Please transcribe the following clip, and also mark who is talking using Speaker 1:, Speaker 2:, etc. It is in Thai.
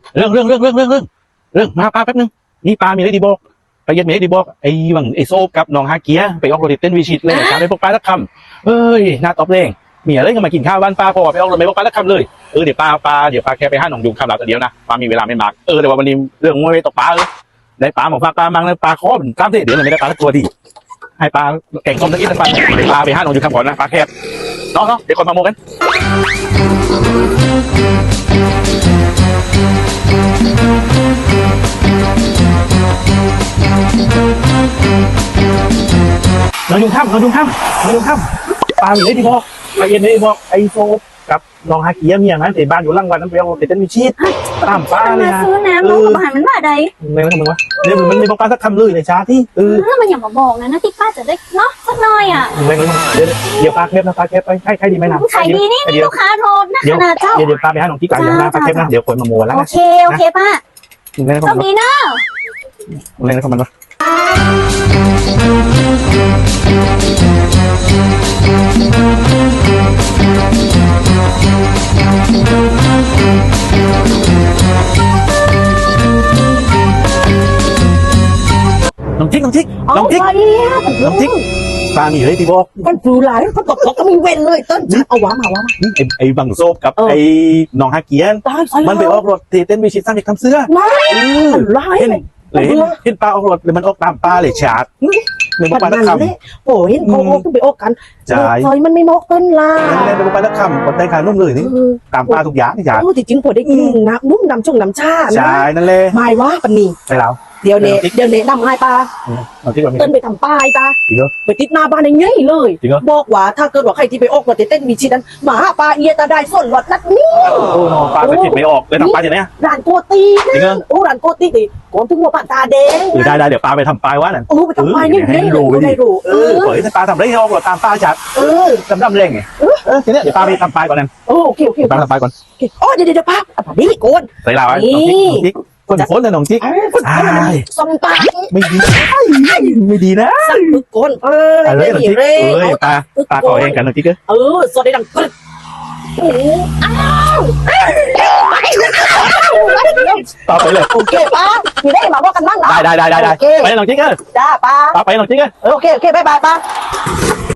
Speaker 1: เรื่องมาป้าแป๊บนึงนี่ป้ามีอะไรดีบอกไปเย็นมีอะไรดีบอกไอ้บังไอ้โซกับน้องฮาเกียไปออกรถเต้นวิชิตเลยถามไปพวกป้าสักคำเอ้ยน่าตอบเร่งมีอะไรก็มากินข้าวบ้านป้าพอไปออกรถไม่พวกป้าสักคำเลยเดี๋ยวป้าแค่ไปห้าหนองยุงคำหลับแต่เดียวนะป้ามีเวลาไม่มากแต่ว่าวันนี้เรื่องมวยตกป้าได้ป้าหมอกป้ามังแล้วป้าคอเป็นกล้ามเดี๋ยวไม่ได้ป้าสักตัวดีให้ป้าแข่งคอมตะกี้สักป้าไปห้าหนองยุงคำก่อนนะป้าแคบเนาะเดี๋ยวคนมาโมกันน้องยุงข้ามปลาอยู่ได้ที่บอกไปเย็นได้บอกไอโซกับน้องฮาเกียมีอย่างนั้นแต่บ้านอยู่ล่างวันนั้นไปเอาเต้นมีชีสตามป้าเลยนะ
Speaker 2: ซื้อน้ำน้องกับอาหารมันว่าใด
Speaker 1: ไม่ต้องมึงวะเดี๋ยวมันไม่บอกป้าสักคำเลยในช้าที่
Speaker 2: มันอย่ามาบอกนะที่ป้าจะได้เนาะสักหน่อยอ่ะ
Speaker 1: ไม่เดี๋ยวป้าแคบนะป้าแคบไปใครดีไหมนะ
Speaker 2: ขายดีนี่ลูกค้าโทรนะขนาดเจ้า
Speaker 1: เดี๋ยวป้าไปหาหนองที่ไก่อย่างนั้นป้าแคบนะเดี๋ยวคนมาโมแล้ว
Speaker 2: โอเคป้าต้องดีเนาะ
Speaker 1: อะไรนะของมันวะน้องจิ๊กปลาหนีเลยที่บอก
Speaker 3: กันฟูหลายเขาตกก็มีเว้นเลยต้นเอาวะ
Speaker 1: ไอ้บังโซบกับไอ้น้องฮาเกียนมันไปออกรถเต้นวิชิตสร้างเด็กทำเสื้อเห็นปลาออกรถเลยมันออกตามปลาเลยฉาดในบุปผาตะคำ
Speaker 3: โอ้เห็นเขาออกต้องไปออกกันซอยมันไม่มอกต้นลา
Speaker 1: ในบุปผาตะคำคนได้ขายนุ่มเลยนี่ตามปลาทุกอย่างนี่ฉาด
Speaker 3: จริงๆผมได้กินนะนุ่มน้ำน้ำชา
Speaker 1: ใช่นั่นเลย
Speaker 3: ไม่ว่าปันนี่
Speaker 1: ไปแล้ว
Speaker 3: เดี๋ยวเน่นำให้ปลาเต้นไปทำป้ายตาไปติดหน้าบ้านอย่างนี้เลยบอกว่าถ้าเกิดว่าใครที่ไปออกรถเต้นมีชีนั้นหมาปลาเอียตาได้ส่วนรถนัดนี้
Speaker 1: โอ้ปลาไปติดไม่ออกเลยทำปลาอย่างนี้
Speaker 3: ร้านโกตีนะร้านโกตีดิก่อนถึงหัวปลาตาแดง
Speaker 1: ได้เดี๋ยวปลาไปทำปลายวะนั่น
Speaker 3: ไปทำปลายนี่ได้รู้
Speaker 1: เปิดปลาทำไรให้ออกรถตามปลาจัดดำเร่งไงทีนี้เดี๋ยวปลาไปทำปลายก่อนนั่น
Speaker 3: โอเค
Speaker 1: ปลาทำปลายก่อน
Speaker 3: เดี๋ยวป้านี่โกน
Speaker 1: ใส่ลาวไว้คนเลยน้องจิ๊ก
Speaker 3: ส่งปาก
Speaker 1: ไม่ดีนะ
Speaker 3: โกน
Speaker 1: อะไรน้องจิ๊กปลาขอเองกันน้องจิ๊ก
Speaker 3: สดได้ดังกึ๊ด
Speaker 1: ต่อไปเลย
Speaker 3: โอเคป้ามีได้มาว่ากันบ้าง
Speaker 1: ได้ไปน้องจิ๊ก
Speaker 3: จ้าป้า
Speaker 1: ไปน้องจิ๊ก
Speaker 3: โอเคบ๊ายบายป้า